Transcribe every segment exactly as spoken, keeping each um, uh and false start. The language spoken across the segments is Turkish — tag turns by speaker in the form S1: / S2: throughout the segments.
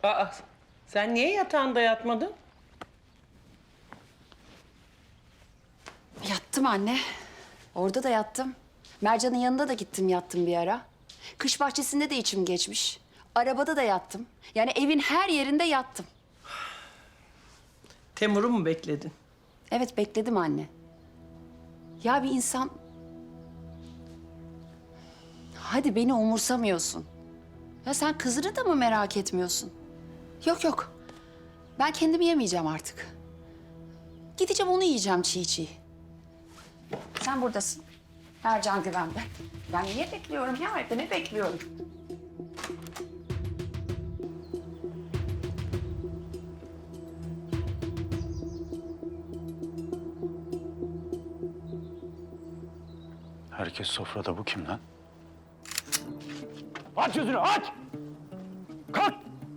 S1: Aa, sen niye yatağında yatmadın?
S2: Yattım anne. Orada da yattım. Mercan'ın yanında da gittim yattım bir ara. Kış bahçesinde de içim geçmiş. Arabada da yattım. Yani evin her yerinde yattım.
S1: Temur'u mu bekledin?
S2: Evet bekledim anne. Ya bir insan... Hadi beni umursamıyorsun. Ya sen kızını da mı merak etmiyorsun? Yok yok. Ben kendimi yemeyeceğim artık. Gideceğim onu yiyeceğim çiğ çiğ. Sen buradasın. Mercan güvende. Ben niye bekliyorum ya? Evde ne bekliyorum?
S3: Herkes sofrada, bu kim lan? Aç yüzünü, aç! Kalk!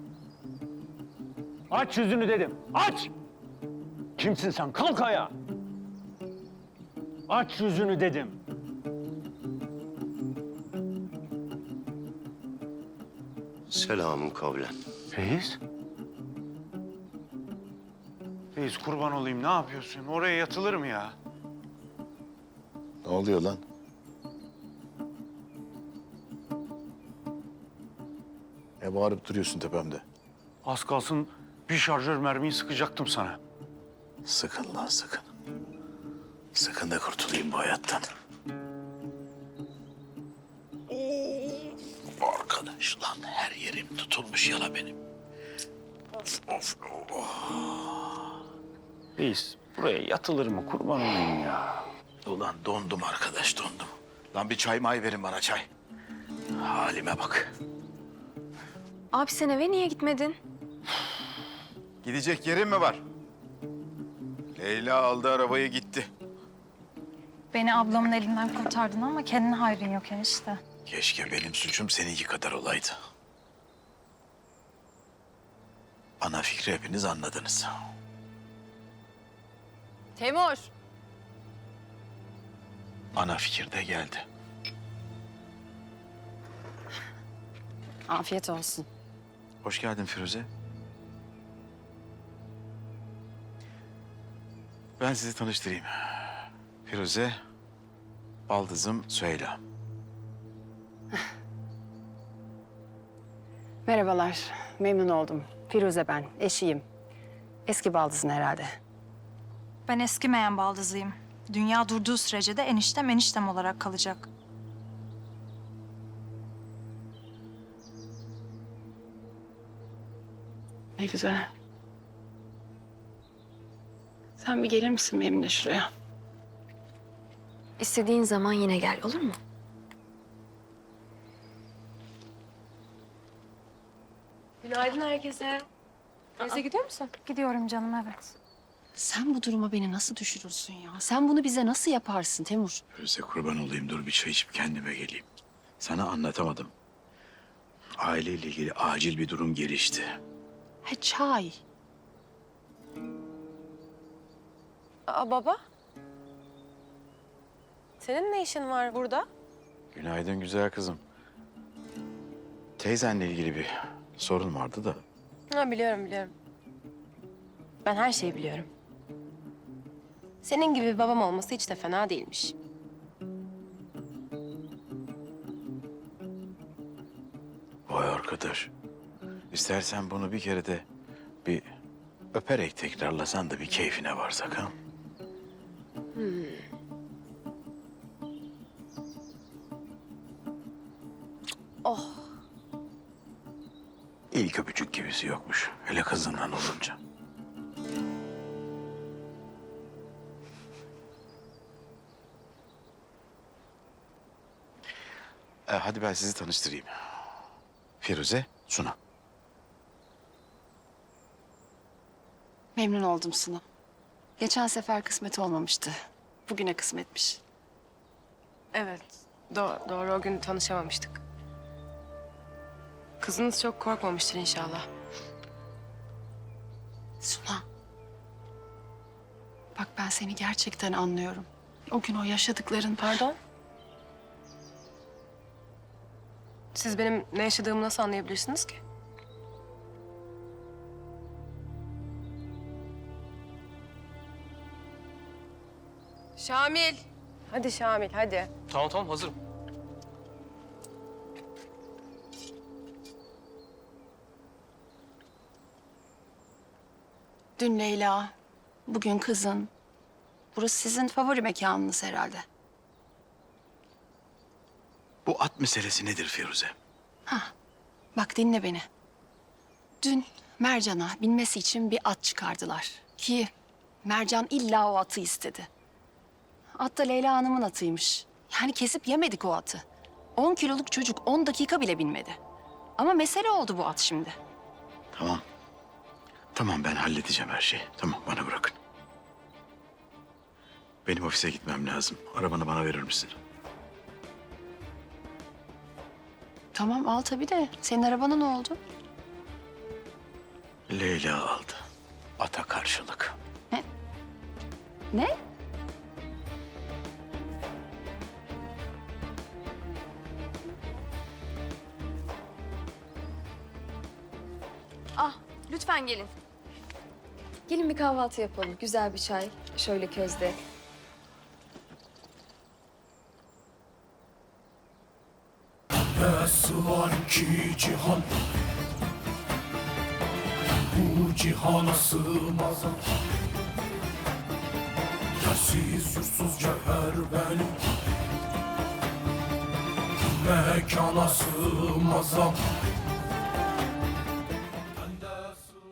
S3: Aç yüzünü dedim, aç! Kimsin sen? Kalk ayağa! Aç yüzünü dedim.
S4: Selamun kavlen.
S3: Reis? Reis kurban olayım, ne yapıyorsun? Oraya yatılır mı ya?
S4: Ne oluyor lan? Ne bağırıp duruyorsun tepemde?
S3: Az kalsın bir şarjör mermiyi sıkacaktım sana.
S4: Sakın lan sakın. Sakın da kurtulayım bu hayattan. Oo, arkadaş lan her yerim tutulmuş yala benim. Of of of.
S3: Reis, buraya yatılır mı? Kurban olayım ya.
S4: Ulan dondum arkadaş dondum. Lan bir çay may verin bana çay. Halime bak.
S5: Abi sen eve niye gitmedin?
S6: Gidecek yerin mi var? Leyla aldı arabayı gitti.
S5: Beni ablamın elinden kurtardın ama kendine hayrın yok enişte.
S4: Keşke benim suçum seninki kadar olaydı. Ana fikri hepiniz anladınız.
S2: Temur.
S4: Ana fikir de geldi.
S2: Afiyet olsun.
S6: Hoş geldin Firuze. Ben sizi tanıştırayım. Firuze, baldızım Süheyla.
S2: Merhabalar. Memnun oldum. Firuze ben. Eşiyim. Eski baldızın herhalde.
S5: Ben eskimeyen baldızıyım. Dünya durduğu sürece de eniştem eniştem olarak kalacak.
S2: Ne güzel. Sen bir gelir misin benimle şuraya?
S7: İstediğin zaman yine gel, olur mu?
S5: Günaydın herkese. Teyze gidiyor musun? Gidiyorum canım, evet.
S2: Sen bu duruma beni nasıl düşürürsün ya? Sen bunu bize nasıl yaparsın Temur?
S4: Firuze kurban olayım dur bir çay içip kendime geleyim. Sana anlatamadım. Aileyle ilgili acil bir durum gelişti.
S2: Ha çay.
S8: Aa, baba. Senin ne işin var burada?
S6: Günaydın güzel kızım. Teyzenle ilgili bir sorun vardı da.
S8: Ha, biliyorum biliyorum. Ben her şeyi biliyorum. Senin gibi bir babam olması hiç de fena değilmiş.
S4: Vay arkadaş. İstersen bunu bir kere de bir öperek tekrarlasan da bir keyfine varsak ha.
S8: Oh.
S4: İlk öpücük gibisi yokmuş. Hele kızından olunca.
S6: Ee, hadi ben sizi tanıştırayım. Firuze, Suna.
S2: Memnun oldum Suna. Geçen sefer kısmet olmamıştı. Bugüne kısmetmiş.
S8: Evet. Do- doğru o gün tanışamamıştık. Kızınız çok korkmamıştır inşallah.
S2: Suna. Bak ben seni gerçekten anlıyorum. O gün o yaşadıkların...
S8: Pardon? Siz benim ne yaşadığımı nasıl anlayabilirsiniz ki? Şamil. Hadi Şamil hadi.
S9: Tamam tamam hazırım.
S2: Dün Leyla, bugün kızın. Burası sizin favori mekanınız herhalde.
S4: Bu at meselesi nedir Firuze?
S2: Bak dinle beni. Dün Mercan'a binmesi için bir at çıkardılar. Ki Mercan illa o atı istedi. At da Leyla Hanım'ın atıymış. Yani kesip yemedik o atı. On kiloluk çocuk on dakika bile binmedi. Ama mesele oldu bu at şimdi.
S4: Tamam. Tamam ben halledeceğim her şeyi. Tamam bana bırakın. Benim ofise gitmem lazım. Arabanı bana verir misin?
S2: Tamam al tabii de senin arabana ne oldu?
S4: Leyla aldı. Ata karşılık.
S2: Ne?
S7: Ah, lütfen gelin. Gelin bir kahvaltı yapalım. Güzel bir çay. Şöyle közde.
S10: Nasıl var ki cihan, bu cihana sığmaz. Yersiz yursuz cevher benim, mekana sığmaz.